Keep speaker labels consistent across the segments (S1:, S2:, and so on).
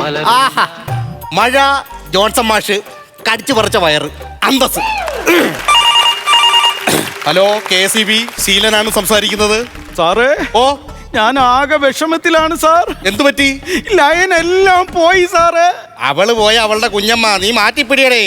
S1: ആഹാ മഴ ജോൺസൺ മാഷ് കടിച്ചു പറിച്ച വയറ് അന്തസ്. ഹലോ KCB ശീലനാണ് സംസാരിക്കുന്നത്.
S2: സാറേ
S1: ഓ
S2: ഞാൻ ആകെ വിഷമത്തിലാണ് സാർ.
S1: എന്തു പറ്റി?
S2: ലൈൻ എല്ലാം പോയി സാറേ.
S1: അവള് പോയ അവളുടെ കുഞ്ഞമ്മ നീ മാറ്റിപ്പിടിയടേ.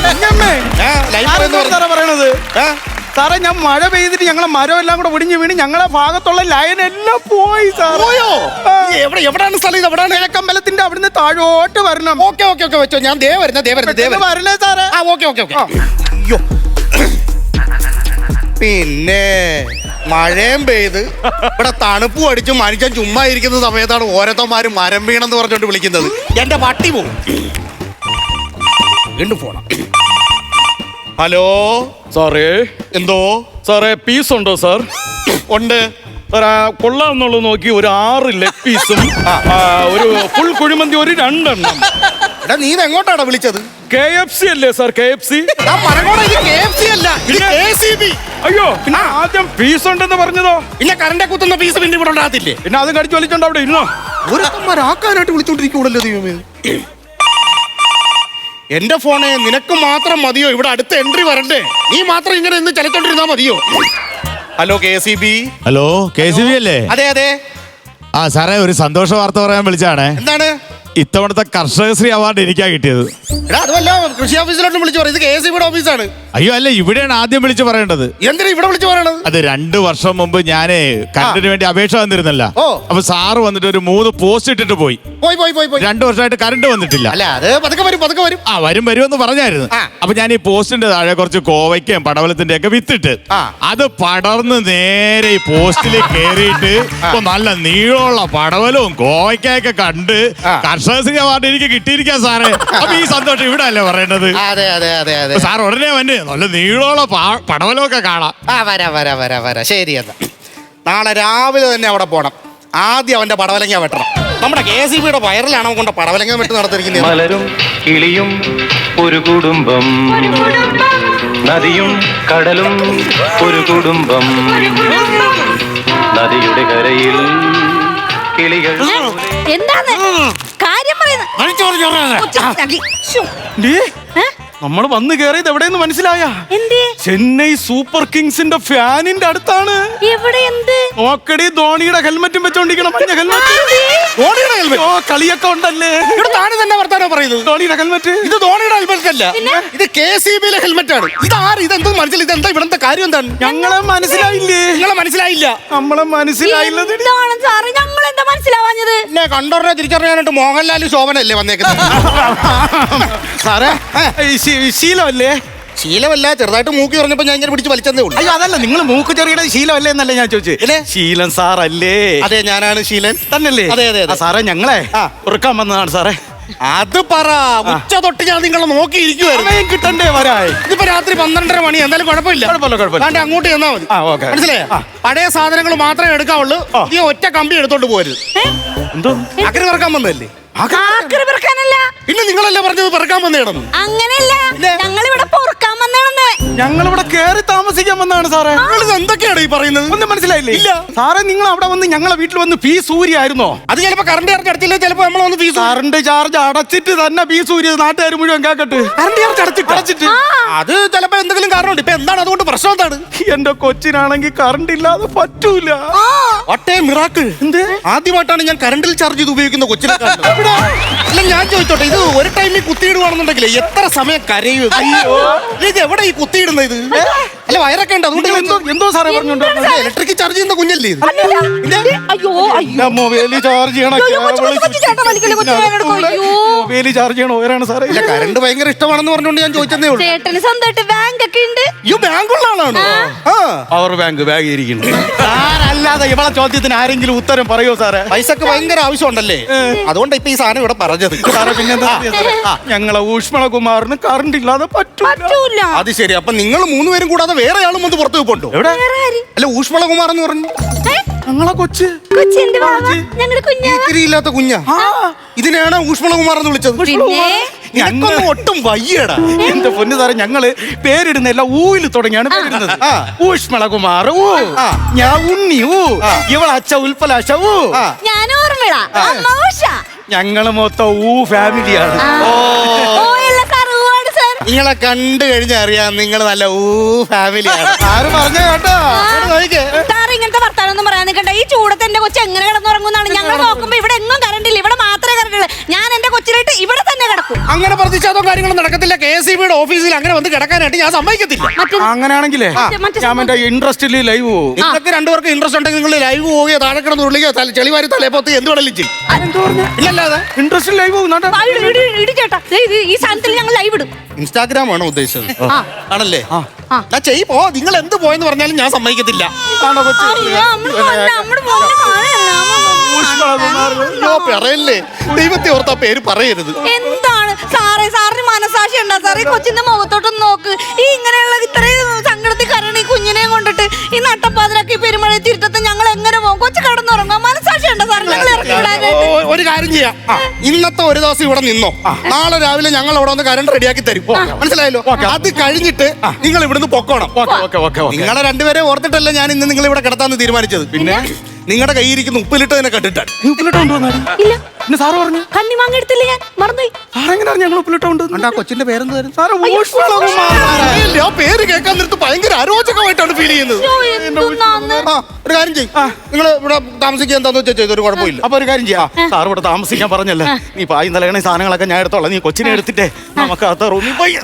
S2: സാറേ പറയണത് സാറേ ഞാൻ മഴ പെയ്തിട്ട് ഞങ്ങളെ മരം എല്ലാം കൂടെ ഒടിഞ്ഞു വീണ് ഞങ്ങളെ ഭാഗത്തുള്ള ലൈൻ എല്ലാം പോയി സാർ.
S1: എവിടെയാണ് സ്ഥലം? ഇത് എവിടെയാണ്?
S2: കിഴക്കമ്പലത്തിന്റെ അവിടുന്ന് താഴോട്ട് വരണം.
S1: ഓക്കെ ഓക്കെ ഓക്കെ വെച്ചോ. ഞാൻ
S2: വരണേ സാറേ.
S1: Okay okay okay. അയ്യോ പിന്നെ മഴയും പെയ്ത് ഇവിടെ തണുപ്പും അടിച്ച് മനുഷ്യൻ ചുമ്മാ ഇരിക്കുന്ന സമയത്താണ് ഓരോരുത്തന്മാര് മരം വീണെന്ന് പറഞ്ഞോണ്ട് വിളിക്കുന്നത്. എന്റെ പട്ടി പോകും. വീണ്ടും പോണം. ഹലോ
S2: സാറേ.
S1: എന്തോ
S2: സാറേ പീസ് ഉണ്ടോ സാർ?
S1: ഉണ്ട്
S2: സാർ. കൊള്ളാമെന്നുള്ളത് നോക്കി ഒരു 6 ലെഗ് പീസും ഒരു ഫുൾ കുഴിമന്തി ഒരു 2 എണ്ണം.
S1: എടാ നീ എങ്ങോട്ടാണ് വിളിച്ചത്?
S2: KFC അല്ലേ സാർ? KFC. അയ്യോ പിന്നെ ആദ്യം പീസ് ഉണ്ടെന്ന് പറഞ്ഞതോ?
S1: പിന്നെ കറണ്ടെ കുത്തുന്ന പീസ് പിന്നെ ഇവിടെ ഉണ്ടാകത്തില്ലേ?
S2: പിന്നെ അതും കടിച്ചു വലിച്ചോണ്ട് അവിടെ ഇരുന്നോ?
S1: ഓരോരുത്തന്മാരാക്കാനായിട്ട് വിളിച്ചോണ്ടിരിക്കൂടല്ലോ ദൈവമേ. എന്റെ ഫോണെ നിനക്ക് മാത്രം മതിയോ ഇവിടെ അടുത്ത എൻട്രി വരണ്ടേ? നീ മാത്രം ഇങ്ങനെ ഇന്ന് ചലിച്ചോണ്ടിരുന്നാ മതിയോ? Hello KCB.
S3: ഹലോ KCB അല്ലേ?
S1: അതെ അതെ.
S3: ആ സാറേ ഒരു സന്തോഷ വാർത്ത പറയാൻ വിളിച്ചാണ്.
S1: എന്താണ്?
S3: ഇത്തവണത്തെ കർഷകശ്രീ അവാർഡ് എനിക്കാ കിട്ടിയത്.
S1: അതുമല്ല കൃഷി ഓഫീസിലോട്ട് വിളിച്ചു പറയും. ഇത് KCBയുടെ ഓഫീസാണ്.
S3: അയ്യോ അല്ല, ഇവിടെയാണ് ആദ്യം വിളിച്ചു പറയേണ്ടത്.
S1: എന്തിനാ ഇവിടെ വിളിച്ചു പറയണത്?
S3: അത് 2 വർഷം മുമ്പ് ഞാനേ കറണ്ടിന് വേണ്ടി അപേക്ഷ വന്നിരുന്നല്ല. അപ്പൊ സാറ് വന്നിട്ട് ഒരു 3 പോസ്റ്റ് ഇട്ടിട്ട് പോയി. 2 വർഷമായിട്ട് കറണ്ട് വന്നിട്ടില്ല.
S1: അല്ല അത് പതുക്കെ വരും.
S3: ആ വരുമെന്ന് പറഞ്ഞായിരുന്നു. അപ്പൊ ഞാൻ ഈ പോസ്റ്റിന്റെ താഴെ കുറച്ച് കോവയ്ക്കും പടവലത്തിന്റെ ഒക്കെ വിത്തിട്ട് അത് പടർന്ന് നേരെ ഈ പോസ്റ്റിൽ കേറിയിട്ട് ഇപ്പൊ നല്ല നീളമുള്ള പടവലവും കോവയ്ക്കൊക്കെ കണ്ട് കർഷകശ്രീ അവാർഡ് എനിക്ക് കിട്ടിയിരിക്കാം സാറേ. അപ്പൊ ഈ സന്തോഷം ഇവിടെ അല്ലേ പറയേണ്ടത്? സാർ ഉടനെ വന്നെ നല്ല നീളമുള്ള പടവലമൊക്കെ കാണാം.
S1: വരാ ശരി. എന്നാ നാളെ രാവിലെ തന്നെ അവിടെ പോണം. ആദ്യം അവന്റെ പടവലങ്ങ വെട്ടണം. നമ്മുടെ KCBയുടെ വയറിലാണ് അവൻ കൊണ്ട് പടവലങ്ങ വെട്ട് നടത്തിയിരിക്കുന്നത്.
S4: മലരും കിളിയും ഒരു കുടുംബം, നദിയും കടലും ഒരു കുടുംബം, നദിയുടെ കരയിൽ കിളികൾ.
S5: എന്താണ് കാര്യം പറയുന്നത്?
S2: നമ്മൾ വന്ന് കയറിയത് എവിടെയെന്ന് മനസ്സിലായ? ചെന്നൈ സൂപ്പർ കിങ്സിന്റെ ഫാനിന്റെ അടുത്താണ്. നോക്കടി ധോണിയുടെ ഹെൽമെറ്റും വെച്ചോണ്ടിരിക്കണം. മഞ്ഞ ഹെൽമെറ്റ്. കളിയൊക്കെ ഉണ്ടല്ലേ?
S1: താന് തന്നെ വർത്താനോ പറയുന്നത്?
S2: ധോണിയുടെ ഹെൽമെറ്റ്.
S1: ഇത് ധോണിയുടെ ഹെൽമെറ്റ് അല്ല, ഇത് KCBയിലെ ഹെൽമെറ്റ് ആണ്. ഇതെന്തോ മനസ്സിലായി? ഇതെന്താ ഇവിടുത്തെ കാര്യം എന്താണ്?
S2: ഞങ്ങളെ മനസ്സിലായില്ലേ?
S1: നമ്മളെ
S2: മനസ്സിലായില്ല.
S1: എന്നെ കണ്ടോറിനെ തിരിച്ചറിയാനായിട്ട് മോഹൻലാൽ ശോഭനല്ലേ വന്നേക്കുന്നത്?
S2: സാറേ ശീലമല്ലേ?
S1: ശീലമല്ല, ചെറുതായിട്ട് മൂക്കി പറഞ്ഞപ്പോ ഞാൻ ഇങ്ങനെ പിടിച്ച് വലിച്ചതേ ഉള്ളൂ.
S2: അയ്യോ അതല്ല, നിങ്ങൾ മൂക്ക് ചെറിയുടെ ശീലമല്ലേ എന്നല്ലേ ഞാൻ ചോദിച്ചത്. ശീലൻ സാറല്ലേ?
S1: അതെ ഞാനാണ് ശീലൻ.
S2: തന്നല്ലേ?
S1: അതെ.
S2: സാറേ ഞങ്ങളെ ഉറക്കാൻ വന്നതാണ് സാറേ.
S1: അത് പറ. ഉച്ച തൊട്ട് ഞാൻ നിങ്ങളെ നോക്കിയിരിക്കുവായിരുന്നു.
S2: കിട്ടണ്ടേ വരാൻ?
S1: ഇതിപ്പോ രാത്രി 12:30 മണി. എന്തായാലും കുഴപ്പമില്ല. അങ്ങോട്ട് ചെന്നാ മതി. മനസ്സിലായോ? പഴയ സാധനങ്ങൾ മാത്രമേ എടുക്കാവുള്ളൂ. നീ ഒറ്റ കമ്പി എടുത്തോണ്ട് പോരുത്.
S2: എന്തോ
S1: അക്കറി പറക്കാൻ വന്നതല്ലേ? പിന്നെ നിങ്ങളല്ലേ പറഞ്ഞത് പറക്കാൻ വന്നേടന്ന്?
S5: അങ്ങനെയല്ല,
S2: ഞങ്ങളിവിടെ കേറി താമസിക്കാൻ വന്നതാണ് സാറേ.
S1: എന്തൊക്കെയാണ് ഈ പറയുന്നത്?
S2: ഒന്നും മനസ്സിലായില്ലേ? ഇല്ല സാറേ, നിങ്ങൾ അവിടെ വന്ന് ഞങ്ങളെ വീട്ടിൽ വന്ന് ഫീസ് ഊരിയായിരുന്നോ?
S1: അത് ചിലപ്പോ കറണ്ട് ചാർജ് അടച്ചില്ല, ചിലപ്പോ നമ്മൾ വന്ന് ഫീസ്
S2: കറണ്ട് ചാർജ് അടച്ചിട്ട് തന്നെ ഫീസ് ഊരിയത് നാട്ടുകാർ മുഴുവൻ കേക്കട്ടെ.
S1: കറണ്ട് ചാർജ് അടച്ചിട്ട് അത് ചിലപ്പോ എന്തെങ്കിലും കാരണമുണ്ട്. ഇപ്പൊ എന്താണ് അതുകൊണ്ട് പ്രശ്നം? എന്താണ്?
S2: എന്റെ കൊച്ചിനാണെങ്കിൽ കറണ്ട് ഇല്ലാതെ പറ്റൂല.
S1: ആദ്യമായിട്ടാണ് ഞാൻ കറണ്ടിൽ ചാർജ് ചെയ്ത് ഉപയോഗിക്കുന്ന കൊച്ചിനെ. അല്ല ഞാൻ ചോദിച്ചോട്ടെ, ഇത് ഒരു ടൈമിൽ കുത്തിയിടുവാണെന്നുണ്ടെങ്കിൽ എത്ര സമയം കരയും? ഇത് എവിടെ ഈ കുത്തിയിടുന്നത്? ഇത് അല്ല വയറൊക്കെ ഉണ്ട്, അതുകൊണ്ട്
S2: എന്തോ സാറേ പറഞ്ഞോണ്ട്
S1: ഇലക്ട്രിക് ചാർജ് ചെയ്യുന്ന കുഞ്ഞല്ലേ ഇത്?
S2: മൊബൈലിൽ ചാർജ് ചെയ്യണ വയറാണ് സാറേ.
S1: ഇല്ല കറണ്ട് ഭയങ്കര ഇഷ്ടമാണെന്ന് പറഞ്ഞോണ്ട് ഞാൻ ചോദിച്ചതേ ഉള്ളൂ. ഈ ബാങ്കുള്ള ആളാണോ?
S2: പവർ ബാങ്ക് ഇരിക്കുന്നു. അല്ലാതെ ഇവളെ ചോദ്യത്തിന് ആരെങ്കിലും ഉത്തരം പറയോ സാറേ?
S1: പൈസക്ക് ഭയങ്കര ആവശ്യമുണ്ടല്ലേ, അതുകൊണ്ട് ഇപ്പൊ ഈ സാധനം ഇവിടെ പറഞ്ഞത്.
S2: സാറേ പിന്നെന്താ, ഞങ്ങളെ ഊഷ്മളകുമാറിന് കറണ്ട് ഇല്ലാതെ പറ്റൂല.
S1: അത് ശരി. അപ്പൊ നിങ്ങൾ 3 പേരും കൂടാതെ വേറെ ആളും വന്ന് പുറത്തു പോണ്ടോ?
S2: എവിടെ?
S1: അല്ല ഊഷ്മളകുമാർ എന്ന് പറഞ്ഞു
S2: ഞങ്ങളെ കൊച്ച്
S1: ഇല്ലാത്ത കുഞ്ഞാ. ഇതിനെയാണ് ഊഷ്മളകുമാർ എന്ന് വിളിച്ചത്. ഒട്ടും വയ്യടാ.
S2: എന്റെ പൊന്നു സാറേ, ഞങ്ങള് പേരിടുന്ന എല്ലാം ഊയിൽ തുടങ്ങിയാണ് പേരിടുന്നത്. ഊഷ്മളകുമാർ ഊ, ഞാൻ ഉണ്ണി ഊ, ഇവള അച്ഛ ഉൽപ്പലാശ ഊ, ഞങ്ങള് മൊത്തം ഫാമിലിയാണ്.
S5: ഓ അല്ല സാർ, ഒരുപാട് സാർ.
S1: നിങ്ങളെ കണ്ടു കഴിഞ്ഞാൽ അറിയാം നിങ്ങൾ നല്ല ഫാമിലിയാണ്.
S2: ആര് പറഞ്ഞ കേട്ടോ?
S5: സാർ ഇങ്ങനത്തെ വർത്താനൊന്നും പറയാൻ നിൽക്കണ്ട. ഈ ചൂടത്ത് എന്റെ കൊച്ചു എങ്ങനെ കിടന്നുറങ്ങുന്നതാണ്? ഞങ്ങൾ നോക്കുമ്പോ ഇവിടെ എങ്ങും കറണ്ട് ഇല്ല, ഇവിടെ മാത്രമേ കറണ്ട് ഉള്ളൂ. ഞാൻ എന്റെ കൊച്ചിനായിട്ട് ഇവിടെ തന്നെ കിടക്കും.
S1: അങ്ങനെ പ്രതിഷേധോ കാര്യങ്ങളും നടക്കത്തില്ല. KSEBിയുടെ ഓഫീസിൽ അങ്ങനെ വന്ന് കിടക്കാനായിട്ട് ഞാൻ സമ്മതിക്കത്തില്ല.
S2: അങ്ങനെയാണെങ്കിലേ ഞാൻ എന്റെ ഇൻട്രസ്റ്റിൽ ലൈവ് പോകും.
S1: നിങ്ങൾക്ക് രണ്ടുപേർക്ക് ഇൻട്രസ്റ്റ് ഉണ്ടെങ്കിൽ നിങ്ങൾ ലൈവ് പോവുകയോ താഴെ കിടന്ന് ഉള്ളിക്കോ ചെളിവാരി തലേപ്പത്ത് എന്ത് വേണമെങ്കിലും ചെയ്യും. ഇല്ലല്ലാതെ
S2: ഇൻട്രസ്റ്റിൽ ലൈവ് പോകും.
S5: ചേട്ടാ, ഈ സാധനത്തിൽ ഞങ്ങൾ ലൈവ് ഇടും.
S1: ഇൻസ്റ്റാഗ്രാം ആണോ ഉദ്ദേശിച്ചത്?
S5: ആ.
S1: ആണല്ലേ? ഞാൻ ചെയ്യ് നിങ്ങൾ എന്ത് പോയെന്ന് പറഞ്ഞാലും ഞാൻ സമ്മതിക്കത്തില്ല. പറയല്ലേ, ദൈവത്തെ ഓർത്താ പേര് പറയരുത്.
S5: എന്താണ് സാറേ, സാറിന് മനസാക്ഷി ഉണ്ടാ സാറേ? കൊച്ചിന്റെ മുഖത്തോട്ടൊന്ന് നോക്ക്. ഈ ഇങ്ങനെയുള്ള ഇത്രയും സങ്കടത്തിൽ കരണ ഈ കുഞ്ഞിനെ കൊണ്ടിട്ട് ഈ നട്ടപ്പാതിരാക്കി പെരുമഴ തിരുത്തത്തെ ഞങ്ങൾ എങ്ങനെ പോകും? കൊച്ചു കിടന്നുറങ്ങാം. മനസാക്ഷി ഉണ്ടോ സാർ? ഞങ്ങൾ ഇറക്കി വിടാനായിട്ട്
S1: ഒരു കാര്യം ചെയ്യാം. ഇന്നത്തെ ഒരു ദിവസം ഇവിടെ നിന്നോ, നാളെ രാവിലെ ഞങ്ങൾ അവിടെ വന്ന് കരണ്ട് റെഡിയാക്കി തരും. മനസ്സിലായല്ലോ? അത് കഴിഞ്ഞിട്ട് നിങ്ങൾ ഇവിടുന്ന് പൊക്കോണം. നിങ്ങളെ രണ്ടുപേരെ ഓർത്തിട്ടല്ല ഞാൻ ഇന്ന് നിങ്ങൾ ഇവിടെ കിടത്താന്ന് തീരുമാനിച്ചത്. പിന്നെ നിങ്ങളുടെ കയ്യിരിക്കുന്ന ഉപ്പിലിട്ട് തന്നെ കണ്ടിട്ടാണ്.
S2: ഉപ്പിലിട്ട് കൊണ്ടുവന്നാണ്.
S5: ഇല്ല,
S2: പിന്നെ സാറ് പറഞ്ഞു
S5: കണ്ണി വാങ്ങി എടുത്തില്ല, ഞാൻ മറന്നുപോയി.
S2: സാറെങ്ങനെയാണ് ഞങ്ങൾ ഉപ്പിലിട്ടുണ്ട്?
S1: ആ കൊച്ചിന്റെ പേരെന്തായിരുന്നു?
S2: സാറ്
S1: ആ പേര് കേൾക്കാൻ നേരത്ത് ഭയങ്കര അരോചകമായിട്ടാണ് ഫീൽ ചെയ്യുന്നത്. ഒരു കാര്യം ചെയ്യും, നിങ്ങൾ ഇവിടെ താമസിക്കുക എന്താന്ന് വെച്ചാൽ ചെയ്തൊരു കുഴപ്പമില്ല.
S2: അപ്പൊ ഒരു കാര്യം ചെയ്യാം, സാർ ഇവിടെ താമസിക്കാൻ പറഞ്ഞല്ലേ, നീ പായി നിലകണ സാധനങ്ങളൊക്കെ ഞാൻ എടുത്തോളാം. നീ കൊച്ചിനെ എടുത്തിട്ടേ നമുക്ക് അത്ത റൂമിൽ പോയി.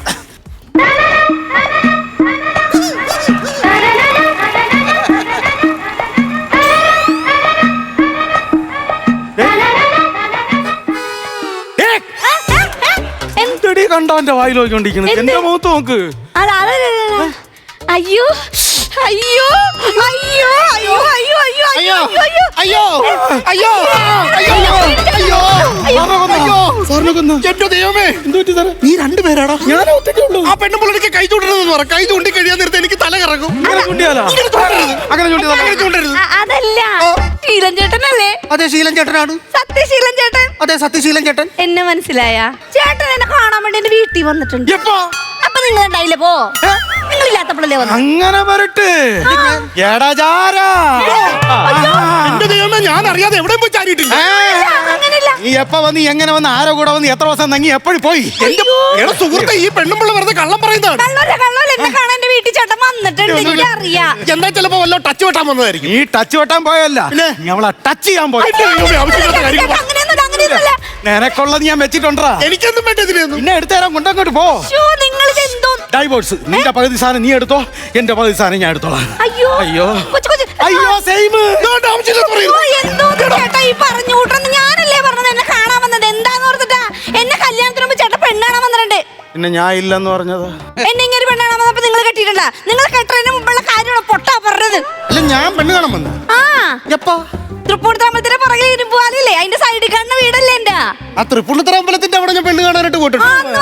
S2: എന്തടി കണ്ടോ എന്റെ വായിൽ നോക്കിക്കൊണ്ടിരിക്കുന്നത്? എന്റെ മുഖത്ത് നോക്ക്.
S5: അയ്യോ അയ്യോ അയ്യോ അയ്യോ അയ്യോ അയ്യോ
S1: അയ്യോ അയ്യോ അയ്യോ അയ്യോ എന്റെ ദൈവമേ, നീ രണ്ടുപേരാടാ?
S2: ഞാൻ ഒറ്റയ്ക്കുള്ളൂ.
S1: ആ പെണ്ണുമ്പിള്ളക്ക് കൈ ചൂണ്ടരുതെന്ന് പറ. കൈ ചൂണ്ടി കഴിയാൻ നേരത്തെ എനിക്ക് തല കറങ്ങും.
S2: അങ്ങനെ ചൂണ്ടിയാലോ?
S5: അതല്ല, ശീലൻ ചേട്ടനല്ലേ?
S1: അതെ, ശീലൻ ചേട്ടനാണ്.
S5: സത്യശീലൻ ചേട്ടൻ.
S1: അതെ, സത്യശീലൻ ചേട്ടൻ.
S5: എന്നെ മനസ്സിലായ? ചേട്ടൻ എന്നെ കാണാൻ വേണ്ടി എന്റെ വീട്ടിൽ വന്നിട്ടുണ്ട്.
S2: എപ്പോ?
S5: അപ്പൊ നിങ്ങൾ ഉണ്ടായില്ലേ? പോ, നിങ്ങളില്ലാത്തപ്പോഴല്ലേ വന്നു?
S2: അങ്ങനെ വരട്ടെ.
S1: എന്റെ ദൈവമേ, ഞാൻ അറിയാതെ എവിടെയും പോയി ചാരിയിട്ടില്ല.
S5: അങ്ങനെയല്ല.
S2: നീ എപ്പ വന്ന് എങ്ങനെ വന്ന് ആരോ കൂടെ വന്ന് എത്ര ദിവസം തങ്ങി എപ്പോഴും പോയി?
S1: എന്റെ സുഹൃത്തെ, ഈ പെണ്ണുമ്പിള്ള വെറുതെ കള്ളം പറയുന്നതാണ്.
S5: കള്ളോല എന്നെ കാണാൻ എന്റെ വീട്ടിൽ ചേട്ടൻ വന്നിട്ടുണ്ട്. എനിക്കറിയാം.
S1: എന്താ ചിലപ്പോ വല്ലോ ടച്ച് വെട്ടാൻ വന്നതായിരിക്കും.
S2: നീ ടച്ച് വെട്ടാൻ പോയല്ല, നീ അവളെ ടച്ച് ചെയ്യാൻ പോയി.
S1: ആവശ്യമില്ലാത്ത കാര്യം.
S5: അങ്ങനെയൊന്നുമില്ല.
S2: നിനക്കുള്ളത് ഞാൻ വെച്ചിട്ടുണ്ടാ.
S1: എനിക്കൊന്നും വേണ്ട ഇതിനൊന്നും.
S2: പിന്നെ എടുത്തേരാൻ കൊണ്ടങ്ങോട്ട് പോ.
S5: നിങ്ങളിത് എന്തോ
S2: ഡൈവോഴ്സ്. നിന്റെ പകുതി സാധനം നീ എടുത്തോ, എന്റെ പകുതി സാധനം ഞാൻ എടുത്തോളാം.
S5: അയ്യോ
S2: അയ്യോ
S5: കൊച്ചു കൊച്ചു.
S2: അയ്യോ സെയിം.
S5: എന്തോ ചേട്ടാ ഈ പറഞ്ഞു കൂട്ടുന്നത്? ഞാനല്ലേ പറഞ്ഞത് എന്നെ കാണാൻ വന്നത്? എന്താന്ന് ഓർത്തിട്ടാ? എന്നെ കല്യാണത്തിന് മുമ്പ് ചേട്ടൻ പെണ്ണാണാൻ വന്നിട്ടുണ്ട്.
S2: പിന്നെ ഞാൻ ഇല്ലെന്ന് പറഞ്ഞത്?
S5: എന്നെ ഇങ്ങനെ പെണ്ണാണാൻ വന്നപ്പോ നിങ്ങൾ കെട്ടിയിട്ടില്ല. നിങ്ങൾ കെട്ടുന്നതിന് മുമ്പുള്ള കാര്യമാണ് പൊട്ടാ പറഞ്ഞത്.
S1: അല്ല, ഞാൻ പെണ്ണ് കാണാൻ വന്നു.
S5: ആ
S1: എപ്പോ?
S5: തൃപ്പൂണിത്തമ്പലത്തിന്റെ പുറകിൽ ഇരുമ്പുവാലില്ലേ, അതിന്റെ സൈഡിൽ കാണുന്ന വീടല്ലേ എന്റെ?
S1: ആ തൃപ്പൂണിത്തറ അമ്പലത്തിന്റെ അവിടെ ഞാൻ പെണ്ണ് കാണാനായിട്ട് പോയിട്ടുണ്ട്.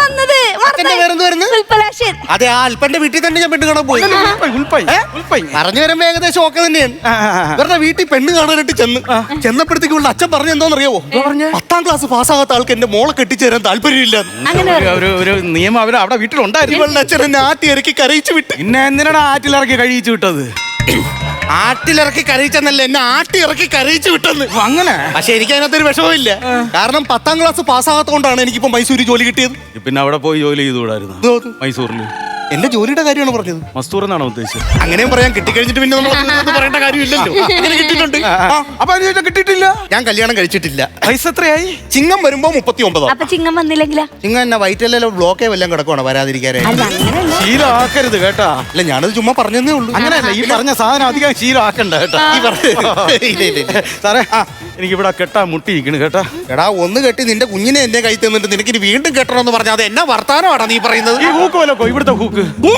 S1: അതെ, ആ അൽപ്പന്റെ വീട്ടിൽ തന്നെ ഞാൻ പെണ്ണ് കാണാൻ പോയി. പറഞ്ഞു വരുമ്പോ ഏകദേശം ഒക്കെ തന്നെയാണ്. ഇവരുടെ വീട്ടിൽ പെണ്ണ് കാണാനായിട്ട് ചെന്നപ്പോഴത്തേക്ക് ഉള്ള അച്ഛൻ പറഞ്ഞു എന്തോന്നറിയാവോ? 10ാം ക്ലാസ് പാസ്സാകാത്ത ആൾക്ക് എന്റെ മോളെ കെട്ടിച്ചേരാൻ താല്പര്യമില്ല.
S2: ഒരു നിയമം അവര് അവിടെ വീട്ടിലുണ്ടായിരുന്നു.
S1: ഇവളുടെ അച്ഛൻ എന്നെ ആട്ടി ഇറക്കി കരയിച്ചു വിട്ട്.
S2: പിന്നെ എന്തിനാണ് ആറ്റിലിറക്കി കഴിയിച്ചു വിട്ടത്?
S1: ആട്ടിലിറക്കി കരയിച്ചെന്നല്ല, എന്നെ ആട്ടി ഇറക്കി കരയിച്ചു വിട്ടെന്ന്.
S2: അങ്ങനെ?
S1: പക്ഷെ എനിക്ക് അതിനകത്തൊരു വിഷമമില്ല. കാരണം 10ാം ക്ലാസ് പാസ്സാകാത്തോണ്ടാണ് എനിക്കിപ്പോ മൈസൂരിൽ ജോലി കിട്ടിയത്.
S2: പിന്നെ അവിടെ പോയി ജോലി ചെയ്തുകൂടായിരുന്നു? മൈസൂരിൽ
S1: എന്റെ ജോലിയുടെ കാര്യമാണ് പറഞ്ഞത്.
S2: മസ്തൂർ എന്നാണോ ഉദ്ദേശിച്ചത്?
S1: അങ്ങനെയും പറയാൻ കിട്ടിക്കഴിഞ്ഞിട്ട് പിന്നെ നമ്മൾ പറയേണ്ട കാര്യമില്ലല്ലോ. അങ്ങനെ കിട്ടിയിട്ടുണ്ട്.
S2: അപ്പൊ അതിന് കിട്ടിയിട്ടില്ല.
S1: ഞാൻ കല്യാണം കഴിച്ചിട്ടില്ല.
S2: പൈസ എത്രയായി?
S1: ചിങ്ങം വരുമ്പോ 39.
S5: അപ്പൊ ചിങ്ങം വന്നില്ലെങ്കിലാ?
S1: ചിങ്ങം എന്നാ വയറ്റിലല്ലോ ബ്ലോക്കേ വല്ലതും കിടക്കുവാണ് വരാതിരിക്കാനായി.
S2: ശീലമാക്കരുത് കേട്ടാ.
S1: അല്ല, ഞാനത് ചുമ്മാ പറഞ്ഞതേ ഉള്ളൂ.
S2: അങ്ങനെയല്ല, ഈ പറഞ്ഞ സാധനം അധികം ശീലമാക്കണ്ട കേട്ടാ. സാറേ, എനിക്ക് ഇവിടെ കെട്ടാ മുട്ടിയിരിക്കണ് കേട്ടാ.
S1: എടാ, ഒന്ന് കെട്ടി നിന്റെ കുഞ്ഞിനെ എന്റെ കൈ തന്നിട്ട് നിനക്ക് ഇനി വീണ്ടും കെട്ടണമെന്ന് പറഞ്ഞാൽ അത് എന്നാ വർത്താനമാടാ നീ പറയുന്നത്?
S2: ഈ ഹൂക്ക് വല്ലക്കോ? ഇവിടുത്തെ ഹൂക്ക്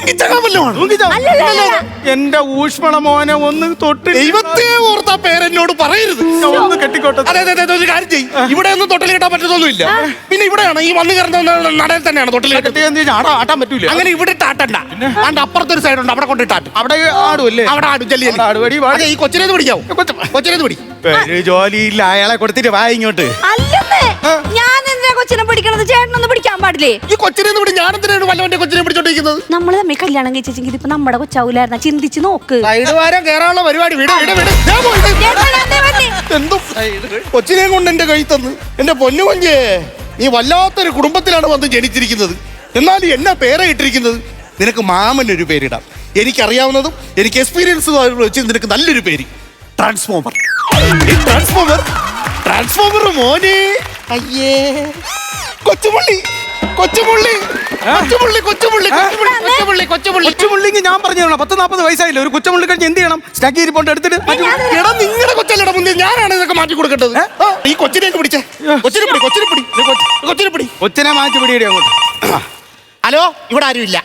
S2: എന്റെ ഊഷ്മള മോനെ ഒന്ന് തൊട്ട്.
S1: ദൈവത്തെ ഓർത്താ പേരെന്നോട് പറയരുത്.
S2: ഒന്ന് കെട്ടിക്കോട്ടെ.
S1: അതെ, ഒരു കാര്യം ചെയ്യും. ഇവിടെ ഒന്നും തൊട്ടിൽ കെട്ടാൻ പറ്റത്തൊന്നുമില്ല. പിന്നെ ഇവിടെയാണ് ഈ വന്ന് കയറുന്ന നടയിൽ തന്നെയാണ് തൊട്ടിൽ
S2: ആട്ടാൻ പറ്റൂല.
S1: അങ്ങനെ ഇവിടെ ആട്ടണ്ട. അതിന്റെ അപ്പുറത്തൊരു സൈഡ് ഉണ്ട്, അവിടെ കൊണ്ടിട്ടാട്ട്.
S2: അവിടെ ആടുമല്ലേ?
S1: അവിടെ ആടും. ചെല്ലി ഈ കൊച്ചിനേത് പിടിക്കാവോ? കൊച്ചിനേത് പിടി.
S2: ഒരു ജോലിയില്ല, അയാളെ കൊടുത്തിട്ട് വാ ഇങ്ങോട്ട്.
S5: അല്ലെന്ന് ഞാൻ എന്തിനാ കൊച്ചിനെ പിടിക്കണത്? ചേട്ടനൊന്നും പിടിക്കാൻ പാടില്ലേ?
S1: ഈ കൊച്ചിനെ വിട്, ഞാൻ എന്തിനാണ് വല്ലവന്റെ കൊച്ചിനെ പിടിച്ചോണ്ടിരിക്കുന്നത്?
S5: നമ്മള് തമ്മിൽ കല്യാണം കഴിച്ചെങ്കിൽ ഇതിപ്പോ നമ്മുടെ കൊച്ചാവൂലായിരുന്ന, ചിന്തിച്ച് നോക്ക്.
S1: സൈഡ് വാരം കേറാനുള്ള പരിപാടി വിട് വിട് വിട്. ഞാൻ പോയിട്ട് എന്തോ കൊച്ചിനെ കൊണ്ട് എന്റെ കൈ തന്ന്. എന്റെ പൊന്നു കൊഞ്ചേ, നീ വല്ലാത്തൊരു കുടുംബത്തിലാണ് വന്ന് ജനിച്ചിരിക്കുന്നത്. എന്നാലും എന്നാ പേരെ ഇട്ടിരിക്കുന്നത്? നിനക്ക് മാമനൊരു പേരിടാം. എനിക്കറിയാവുന്നതും എനിക്ക് എക്സ്പീരിയൻസ് വെച്ച് നിനക്ക് നല്ലൊരു പേര്, ട്രാൻസ്ഫോമർ. ട്രാൻസ്ഫോമർ ട്രാൻസ്ഫോമർ മോനെ. അയ്യേ, കൊച്ചുപുള്ളി കൊച്ചുപുള്ളി കൊച്ചുപുള്ളി കൊച്ചുപുള്ളി കൊച്ചുപുള്ളി കൊച്ചുപുള്ളി
S2: കൊച്ചുമുള്ളിക്ക് ഞാൻ പറഞ്ഞു തരണം. 10-40 വയസ്സായില്ലേ, ഒരു കൊച്ചുമുള്ളി കഴിഞ്ഞ് എന്ത് ചെയ്യണം? സ്റ്റാക്കി ഇരിപ്പോണ്ട് എടുത്തിട്ട്
S1: എടാ, നിങ്ങളുടെ കൊച്ചല്ലട മുന്നേ, ഞാനാണ് ഇതൊക്കെ മാറ്റി കൊടുക്കേണ്ടത്. ഈ കൊച്ചിനെ പിടിച്ചേ, കൊച്ചിനെ പിടി, കൊച്ചിനെ പിടി, കൊച്ചിനെ പിടി.
S2: കൊച്ചിനെ മാറ്റി പിടിയടി അങ്ങോട്ട്.
S1: ഹലോ, ഇവിടെ ആരുമില്ല.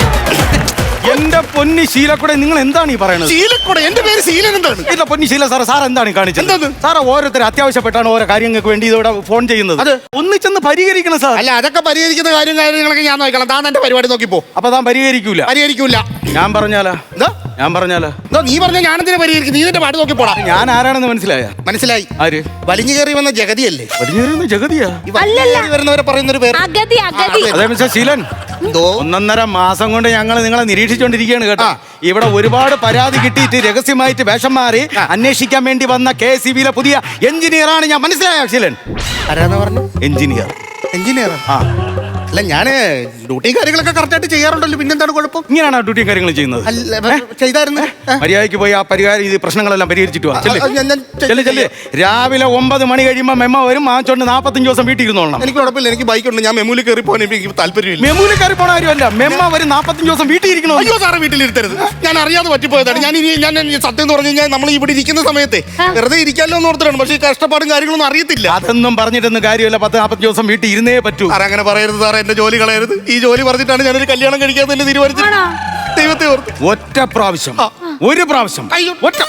S2: എന്റെ പൊന്നി ശീലക്കൂടെ, നിങ്ങൾ എന്താണ് ഈ പറയണത്?
S1: ശീലക്കൂടെ? എന്റെ പേര് ശീലൻ. എന്താണ്?
S2: ഇല്ല പൊന്നി ശീല സാറ്, സാർ എന്താണ് കാണിച്ചത്?
S1: എന്തോന്ന്?
S2: സാറ് ഓരോരുത്തർ അത്യാവശ്യപ്പെട്ടാണ് ഓരോ കാര്യങ്ങൾക്ക് വേണ്ടി ഇതോടെ ഫോൺ ചെയ്യുന്നത്.
S1: അത്
S2: ഒന്നിച്ചെന്ന് പരിഹരിക്കണം സാർ.
S1: അല്ല, അതൊക്കെ പരിഹരിക്കുന്ന കാര്യങ്ങളൊക്കെ ഞാൻ നോക്കണം. താൻ എന്റെ പരിപാടി നോക്കിപ്പോ.
S2: അപ്പൊ താൻ പരിഹരിക്കൂല?
S1: പരിഹരിക്കൂല.
S2: ഞാൻ പറഞ്ഞാലാ?
S1: എന്താ
S2: ഞാൻ പറഞ്ഞാലാ?
S1: എന്തോ നീ പറഞ്ഞ ഞാനെന്തിനാ പരിഹരിക്കും? നീ നിന്റെ പാട്ട് നോക്കിപ്പോടാ.
S2: ഞാൻ ആരാണെന്ന് മനസ്സിലായ?
S1: മനസ്സിലായി.
S2: ആര്?
S1: വലിഞ്ഞു കയറി വന്ന ജഗതിയല്ലേ?
S2: വലിയ ജഗതിയാ?
S1: ഈ വലിഞ്ഞു കയറി വരുന്നവരെ പറയുന്നൊരു പേര്.
S5: അഗതി അഗതി.
S2: അതേ മിസ്റ്റർ ശീലൻ,
S1: എന്തോ
S2: 1.5 മാസം കൊണ്ട് ഞങ്ങൾ നിങ്ങളെ നിരീക്ഷിച്ചുകൊണ്ടിരിക്കുകയാണ് കേട്ടോ. ഇവിടെ ഒരുപാട് പരാതി കിട്ടിയിട്ട് രഹസ്യമായിട്ട് വേഷം മാറി അന്വേഷിക്കാൻ വേണ്ടി വന്ന KSEBിയിലെ പുതിയ എഞ്ചിനീയറാണ് ഞാൻ. മനസ്സിലായോ ശീലൻ?
S1: ആരാന്ന് പറഞ്ഞു?
S2: എഞ്ചിനീയർ.
S1: എഞ്ചിനീയർ?
S2: ആ,
S1: അല്ല, ഞാന് ഡ്യൂട്ടിയും കാര്യങ്ങളൊക്കെ കറക്റ്റായിട്ട് ചെയ്യാറുണ്ടല്ലോ. പിന്നെന്താണ് കുഴപ്പം?
S2: ഇങ്ങനെയാണോ ഡ്യൂട്ടിയും കാര്യങ്ങളും ചെയ്യുന്നത്?
S1: അല്ല, ചെയ്തായിരുന്നു.
S2: മര്യാദയ്ക്ക് പോയി ആ പരിഹാരം ഇത് പ്രശ്നങ്ങളെല്ലാം പരിഹരിച്ചിട്ട് വാ. ചെല്ല്.
S1: ഞാൻ
S2: ചെല്ല് ചെല്ല്. രാവിലെ 9 മണി കഴിയുമ്പോൾ മെമ്മ വരും. മാച്ചോണ്ട് 45 ദിവസം വീട്ടിൽ ഇരുന്നോളണം.
S1: എനിക്ക് കുഴപ്പമില്ല, എനിക്ക് ബൈക്കുണ്ട്. ഞാൻ മെമ്മൂലിൽ കയറി പോകാൻ എനിക്ക് താല്പര്യമില്ല.
S2: മെമ്മൂലിൽ കയറി പോണ കാര്യമല്ല, മെമ്മ വരും 45 ദിവസം വീട്ടിൽ ഇരിക്കണോ?
S1: അയ്യോ സാറേ, വീട്ടിലിരുത്തരുത്. ഞാൻ അറിയാതെ പറ്റിപ്പോയതാണ്. ഞാൻ സത്യം എന്ന് പറഞ്ഞു കഴിഞ്ഞാൽ നമ്മൾ ഇവിടെ ഇരിക്കുന്ന സമയത്ത് വെറുതെ ഇരിക്കാമല്ലോ എന്ന് ഓർത്തിട്ടാണ്. പക്ഷേ ഈ കഷ്ടപ്പാടും കാര്യങ്ങളൊന്നും അറിയത്തില്ല.
S2: അതൊന്നും പറഞ്ഞിട്ടൊന്നും കാര്യമില്ല. 10-40 ദിവസം വീട്ടിൽ ഇരുന്നേ പറ്റൂ.
S1: സാറേ, അങ്ങനെ പറയരുത് സാറേ. എന്റെ ജോലി കളയരുത്. ഈ ജോലി പറഞ്ഞിട്ടാണ് ഞാനൊരു കല്യാണം കഴിക്കാൻ തന്നെ തീരുമാനിച്ചത്. ദൈവത്തെ ഓർത്ത്
S2: ഒറ്റ പ്രാവശ്യം, ഒരു പ്രാവശ്യം,
S1: അയ്യോ.
S2: ഒറ്റ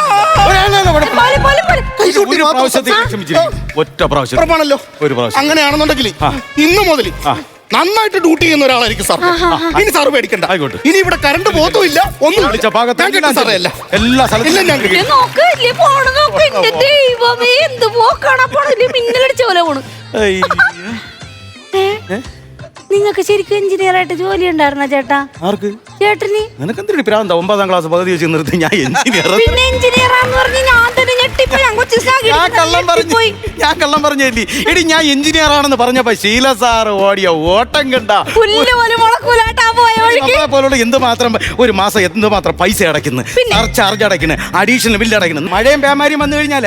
S2: പ്രാവശ്യത്തേക്ക് ക്ഷമിച്ചിരിക്കും. ഒറ്റ പ്രാവശ്യം
S1: ഉറപ്പാണല്ലോ.
S2: ഒരു പ്രാവശ്യം.
S1: അങ്ങനെയാണെന്നുണ്ടെങ്കിൽ ഇന്ന് മുതൽ നന്നായിട്ട് ഡ്യൂട്ടി ചെയ്യുന്ന ഒരാളായിരിക്കും സാർ. ഇനി സാറ് പേടിക്കണ്ട.
S2: ആയിക്കോട്ടെ.
S1: ഇനി ഇവിടെ കറണ്ട് പോകത്തുമില്ല. ഒന്നും
S2: വിളിച്ച ഭാഗത്ത്
S1: ഞാൻ കിട്ടും സാറേ. അല്ല,
S2: എല്ലാ സ്ഥലത്തും
S1: ഞാൻ കിട്ടും.
S5: നോക്ക്, ഇല്ലേ പോണ് നോക്ക്. എന്റെ ദൈവമേ, എന്ത് പോക്കാണ് പോണ, മിന്നലടിച്ച പോലെ പോണ്. നിങ്ങൾക്ക് ശരിക്കും എഞ്ചിനീയർ ആയിട്ട് ജോലി ഉണ്ടായിരുന്ന ചേട്ടാ?
S2: ആർക്ക്?
S5: ചേട്ടന്.
S2: നിനക്കെന്തിനാ പ്രാന്ത? 9ാം ക്ലാസ് പകുതി വെച്ച് നിർത്തി ഞാൻ എഞ്ചിനീയർ.
S5: പിന്നെ എഞ്ചിനീയർ ആന്ന് പറഞ്ഞ് ഞാൻ തന്നെ ഞെട്ടിപ്പോയി.
S2: ഞാൻ കള്ളം പറഞ്ഞല്ലേ എടി. ഞാൻ എഞ്ചിനീയർ ആണെന്ന് പറഞ്ഞപ്പോ ശീല സാർ ഓടിയ ഓട്ടം കണ്ട. പോലുള്ള എന്തുമാത്രം ഒരു മാസം എന്തുമാത്രം പൈസ അടയ്ക്കുന്നു, ചാർജ് അടയ്ക്കുന്നു, അഡീഷണൽ ബില്ല് അടയ്ക്കുന്നു. മഴയും പേമാരിയും വന്നു കഴിഞ്ഞാലേ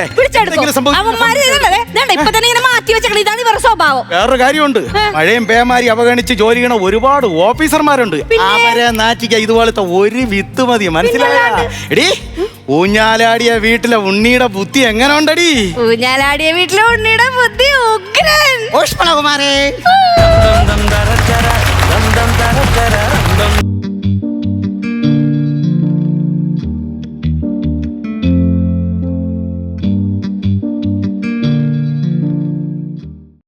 S2: വേറൊരു കാര്യമുണ്ട്. മഴയും പേമാരി അവഗണിച്ച് ജോലി ചെയ്യണ ഒരുപാട് ഓഫീസർമാരുണ്ട്. അവരെ നാറ്റിക്ക ഇതുപോലത്തെ ഒരു വിത്ത് മതി. മനസ്സിലായ? എടി, ഊഞ്ഞാലാടിയ വീട്ടിലെ ഉണ്ണിയുടെ ബുദ്ധി എങ്ങനെ ഉണ്ടടി?
S5: ഊഞ്ഞാലാടിയ വീട്ടിലെ ഉണ്ണിയുടെ ബുദ്ധി ഉഗ്രൻ.
S1: ഊഷ്മളകുമാരേ.